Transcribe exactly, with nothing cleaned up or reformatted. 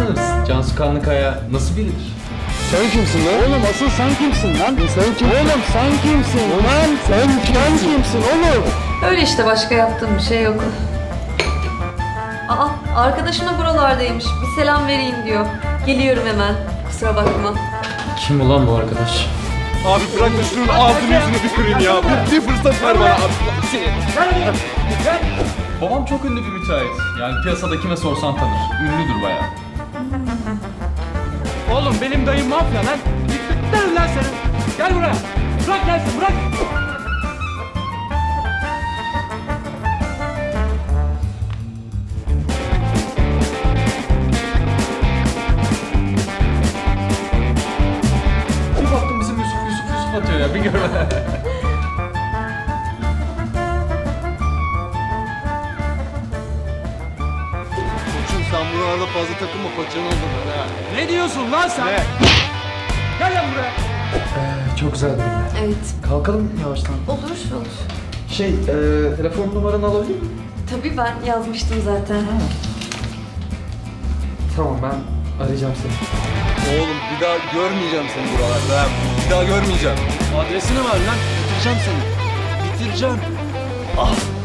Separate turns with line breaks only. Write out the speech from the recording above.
tanırız. Cansu Kanlıkaya nasıl biridir?
Sen kimsin lan? Oğlum asıl sen kimsin lan? Sen kimsin? Oğlum sen kimsin? Lan sen kimsin? Sen kimsin oğlum?
Öyle işte, başka yaptığım bir şey yok. Aa, arkadaşım da buralardaymış. Bir selam vereyim diyor. Geliyorum hemen. Kusura bakma.
Kim ulan bu arkadaş?
Abi bırak da şunun ağzını yüzünü bir kırayım ya. Bir, bir fırsat ver bana abi.
Babam çok ünlü bir müteahhit. Yani piyasada kime sorsan tanır. Ünlüdür bayağı.
Oğlum benim dayım mafya lan. Gittin lan senin. Gel buraya. Bırak gelsin bırak.
Bir baktım bizim Yusuf Yusuf Yusuf atıyor ya, bir görme.
Koçum sen buralarda fazla takılma paçanı alırlar ha.
Ne diyorsun lan sen?
Ne?
Gel lan buraya.
Çok güzel bir gün.
Evet.
Kalkalım yavaştan.
Olur, olur.
Şey, e, telefon numaranı alabilir miyim?
Tabii, ben yazmıştım zaten.
Tamam, ben arayacağım seni.
Oğlum bir daha görmeyeceğim seni buralarda ha. Bir daha görmeyeceğim.
Adresini ver lan. Bitireceğim seni. Bitireceğim.
Ah.